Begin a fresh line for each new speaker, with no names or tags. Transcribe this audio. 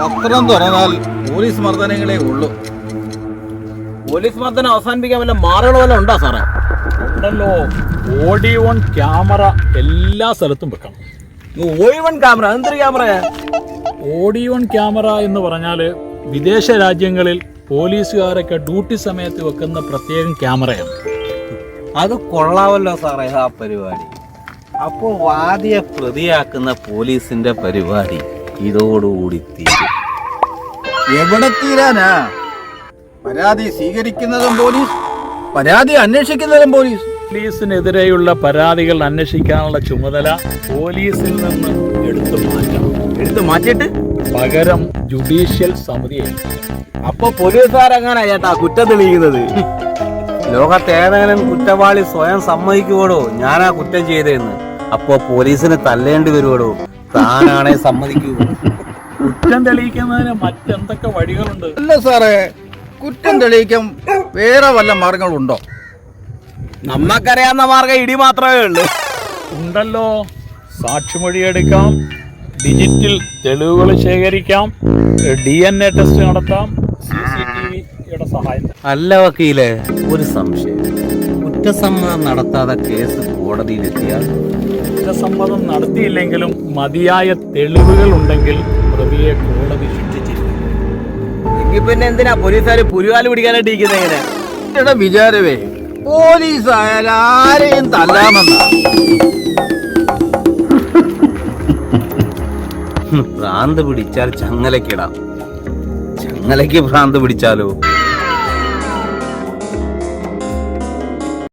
പത്രം തുറന്നാൽ പോലീസ് മർദ്ദനങ്ങളേ ഉള്ളൂ.
പോലീസ് മർദ്ദനം അവസാനിപ്പിക്കാൻ വല്ല മാറുകൾ വല്ല ഉണ്ടോ സാറേ?
ഉണ്ടല്ലോ, ഓഡിയോൺ ക്യാമറ എല്ലാ സ്ഥലത്തും വെക്കണം.
ഓഡിയോൺ ക്യാമറ? എന്തൊരു ക്യാമറ?
ഓഡിയോൺ ക്യാമറ എന്ന് പറഞ്ഞാൽ വിദേശ രാജ്യങ്ങളിൽ പോലീസുകാരൊക്കെ ഡ്യൂട്ടി സമയത്ത് വെക്കുന്ന പ്രത്യേകം ക്യാമറയാണ്.
അത് കൊള്ളാവല്ലോ സാറേ ആ പരിപാടി. അപ്പോ വാദിയെ പ്രതിയാക്കുന്ന പോലീസിന്റെ പരിപാടി ഇതോടുകൂടി തീരും. എവിടെ തീരാനാ? പരാതി സ്വീകരിക്കുന്നതും പോലീസ്, പരാതി അന്വേഷിക്കുന്നതും പോലീസ്.
പോലീസിനെതിരെയുള്ള പരാതികൾ അന്വേഷിക്കാനുള്ള ചുമതല പോലീസിൽ നിന്ന്
എടുത്തു മാറ്റിയിട്ട്
പകരം ജുഡീഷ്യൽ സമിതിയെ.
അപ്പൊ പോലീസുകാരെങ്ങനാ ചേട്ടാ കുറ്റം തെളിയിക്കുന്നത്?
ലോകത്തേതെങ്കിലും കുറ്റവാളി സ്വയം സമ്മതിക്കുവോടോ ഞാനാ കുറ്റം ചെയ്തതെന്ന്? അപ്പോ പോലീസിന് തല്ലേണ്ടി വരുവോടോ? താനാണെ സമ്മതിക്കൂ?
കുറ്റം തെളിയിക്കുന്നതിന് മറ്റെന്തൊക്കെ വഴികളുണ്ട്?
അല്ല സാറേ, കുറ്റം തെളിയിക്കാൻ വേറെ വല്ല മാർഗങ്ങളുണ്ടോ?
നമ്മക്കറിയാവുന്ന മാർഗം ഇടി മാത്രമേ ഉള്ളൂ.
ഉണ്ടല്ലോ, സാക്ഷിമൊഴിയെടുക്കാം, ഡിജിറ്റൽ തെളിവുകൾ ശേഖരിക്കാം, DNA ടെസ്റ്റ് നടത്താം, CCTVയുടെ സഹായം.
അല്ല വക്കീലെ, ഒരു സംശയം. കുറ്റസമ്മതം നടത്താതെ കേസ് കോടതിയിലെത്തിയാൽ?
കുറ്റസമ്മതം നടത്തിയില്ലെങ്കിലും മതിയായ തെളിവുകൾ ഉണ്ടെങ്കിൽ പ്രതിയെ കോടതി ശിക്ഷിച്ചിരിക്കും.
എങ്കിൽ പിന്നെ എന്തിനാ പോലീസുകാർ പുരുകാല് പിടിക്കാനായിട്ട് ഇരിക്കുന്നത്? എങ്ങനെ
എന്റെ വിചാരവേ, പോലീസ് ആയാൽ ആരെയും തല്ലാമെന്ന. ഭ്രാന്ത് പിടിച്ചാൽ ചങ്ങലക്കിടാം, ചങ്ങലയ്ക്ക് ഭ്രാന്ത് പിടിച്ചാലോ